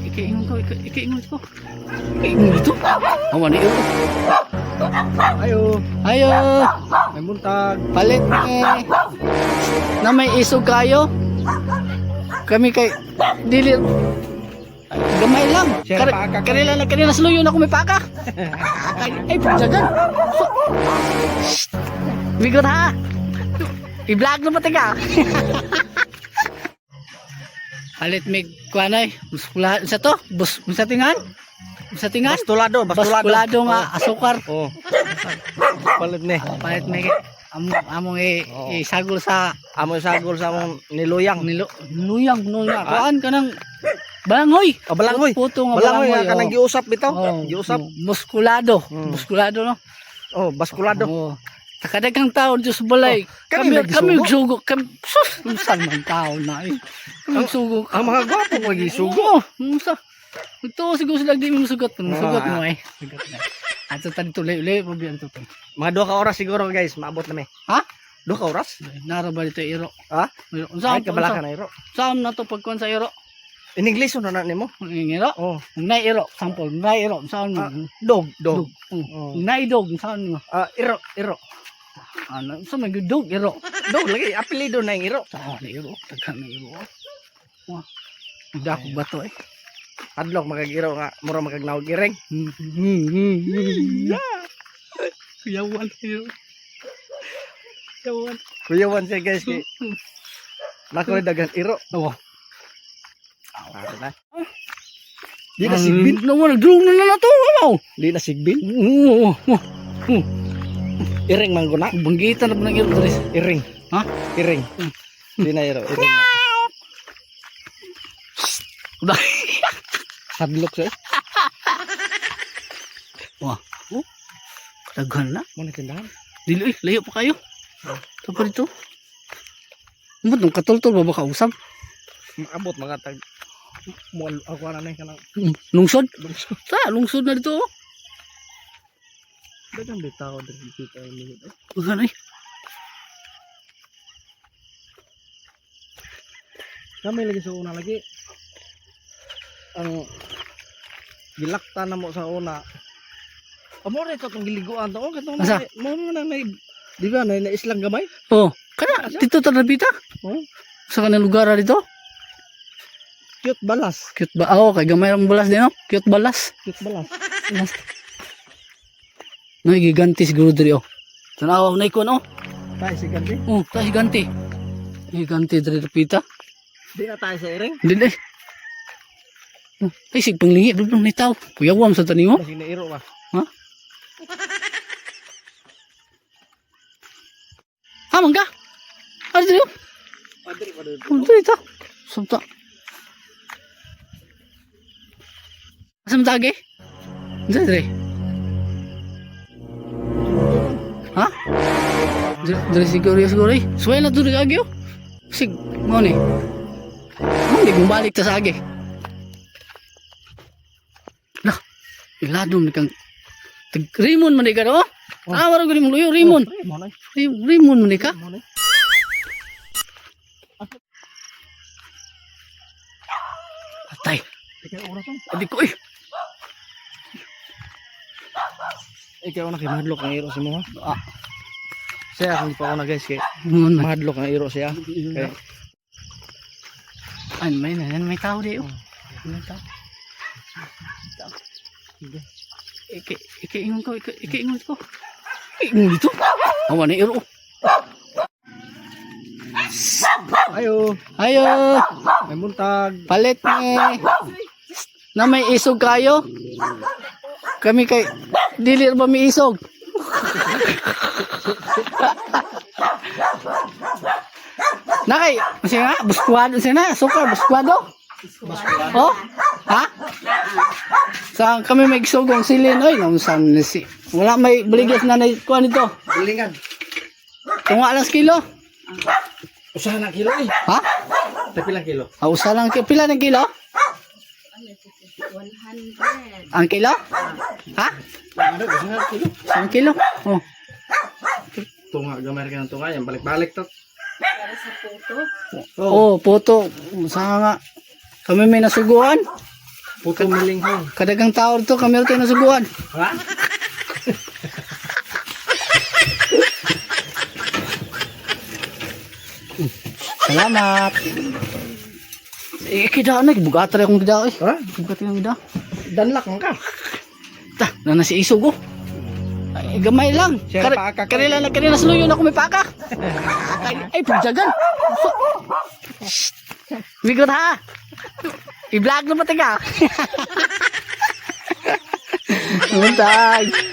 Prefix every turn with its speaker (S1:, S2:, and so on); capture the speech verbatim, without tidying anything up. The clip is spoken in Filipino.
S1: Ikaingon ko, ika- ikaingon ko. Ikaingon dito. Awan na iyo.
S2: Ayo,
S1: Ayo,
S2: may muntag.
S1: palit ni na may isog kayo. Kami kay dili ay, gamay lang.
S2: Siya
S1: Kar
S2: paaka ka.
S1: kanila na kanila sluyo na kumi paka. Ay, ay pagdagan. So, bigot ha. I-vlog na pati ka. Palit mig kuanay, buskula sa to, bus sa tingan. Sa tingan.
S2: Bastulado, bastulado.
S1: Baskulado nga asukar.
S2: Oh. Palit ni.
S1: Palit mig among among i,
S2: Oo.
S1: isagol sa
S2: Amo sagol sa among niluyang.
S1: nilo nuyang nuyang. Kuan kanang balangoy.
S2: Oh, balangoy.
S1: Puto nga
S2: Balangoy
S1: balangoy.
S2: ka nang giusap bitaw.
S1: Oh,
S2: Giusap.
S1: muskulado.
S2: Hmm.
S1: Muskulado no.
S2: Oh, baskulado.
S1: Oo. Takadagang tao Diyos balay.
S2: Oh, kami
S1: kami kami
S2: nagsugo.
S1: sugo. Kami sus, unsan man tao na eh. Kami sugo.
S2: Ang mga gwapo mo gisugo.
S1: Oo, unsa. Ito siguro sila di mo sugat. Sugat
S2: Ah.
S1: mo eh. Sugat na. Ato tadi tuloy-uloy mo biyan to.
S2: Mga duha ka oras siguro guys, maabot na mi.
S1: Ha?
S2: Duha ka oras?
S1: Nara ba dito iro?
S2: Ha?
S1: Iro.
S2: Ay
S1: Unsa
S2: kabalakan na iro.
S1: Saan na to pagkuan sa iro?
S2: In English na na nimo.
S1: Ang iro.
S2: Oh,
S1: Nay iro, sample. Nay iro, saan mo?
S2: Ah, dog, dog.
S1: Dog.
S2: Oh.
S1: Nay dog, saan mo?
S2: Ah, iro, iro.
S1: Ano, sa may dog iro.
S2: Dog lagi apelyido na yung iro.
S1: Saan na iro? Taghan na iro. Wah. Dako ba to eh?
S2: Adlok magag-iro nga mura magagnawag ireng.
S1: Kuyawan iro. Kuyawan.
S2: Kuyawan siya guys kay nako dagan iro.
S1: Oh.
S2: Ah, na. Di na sigbin.
S1: Naman, nagdurog na na to. Ano?
S2: Di na sigbin.
S1: Oo.
S2: Ireng mangguna.
S1: Banggitan na ba ng iro, Dres?
S2: Iring.
S1: Ha?
S2: Iring. Di na iro. Iring na. Hadlok siya.
S1: Wah. Oh. Kadaghan na.
S2: Muna tindahan.
S1: Dilo eh, layo pa kayo. Ito pa dito. Umot, nung katultol ba ba kausap?
S2: Maabot mga tag. Mo ako na nay kanang
S1: Hmm, Lungsod?
S2: lungsod.
S1: Sa, lungsod na dito. Oh.
S2: Dagang bitaw diri kita ini.
S1: Bukan eh.
S2: Kami lagi sa una lagi. Ang gilakta na mo sa una. Amo ra ito itong giliguan to. Katong
S1: Asa?
S2: mo mo na nay. Di ba na na islang gamay?
S1: Oh, kana dito ta nabita.
S2: Oh,
S1: Sa kanang lugar na dito.
S2: cute balas.
S1: Cute ba? Oo, kay gamay ang balas din, no? Cute balas.
S2: Cute balas.
S1: Balas. No, giganti siguro diri, oh. Tanaw na iko, no?
S2: Tay si ganti.
S1: Oh, ta giganti. Giganti diri pita.
S2: Di na tayo sa iring.
S1: Dili. Oh, ay sig panglingi dudong ni tao. Kuyawam sa tani mo.
S2: Kasi nairo ba?
S1: Ha? Ha, mangga. Ano dito?
S2: Padre pa doon.
S1: Ano dito? Samta. Asam tage? Dito dito. Ha? Dito siguro siguro eh. Suway na dito agyo. Sig, mo ni. Hindi gumbalik ta sa agi. Lah, iladom ni kang tag Rimon man di ka do. Ah, wala ko ni mo luyo Rimon.
S2: Mo na.
S1: Rim- Rimon man di ka.
S2: Mo na.
S1: Patay.
S2: Ikaw oras to.
S1: Adi ko eh.
S2: Ikaw na kay madlok ang iro si mo ha.
S1: Ah,
S2: Saya kung pa ako na guys kay
S1: ngon man.
S2: madlok ang iro siya. Kay
S1: Ay, may na may tao di oh. May tao. Tao. Iki iki ingon ko, iki iki ingon ko. Ingon dito. Awan na iro.
S2: ayo,
S1: Ayo,
S2: may muntag.
S1: palit ni na may isog kayo. Kami kay dili ba may isog? Nakay, masya nga, buskwado siya na, sukar, buskwado. Oh, ha? Sa kami may isogong silin, oy, nung saan na si, wala may baligas na na, kuha nito.
S2: Bulingan.
S1: Tunga lang sa kilo.
S2: Usaha na kilo eh.
S1: Ha?
S2: Tapilang kilo.
S1: Ah, usa lang, ki- pila ng kilo?
S3: one hundred.
S1: Ang kilo? Ha?
S2: Ano, usaha na kilo.
S1: Ang kilo? Oh.
S2: Tunga, gamay ka ng tunga yan. Balik-balik to.
S3: Para sa puto.
S1: Oh, puto. Sa nga. Kami may nasuguan.
S2: Puto milinghong.
S1: Kadagang tao to, kami tayo nasuguan.
S2: Ha?
S1: Salamat. Eh, kida na, bugata rin akong kida eh.
S2: Ha?
S1: Bugata yung kida.
S2: Danlak man ka.
S1: Ta, na nasi isog oh. Ay, gamay lang.
S2: Siya
S1: Kar-
S2: paaka ka.
S1: kanila lang, kanila sa luyo na ako may paka. ay, ay, pagjagan. So, Bigot ha. I-vlog na pati ka. Buntag.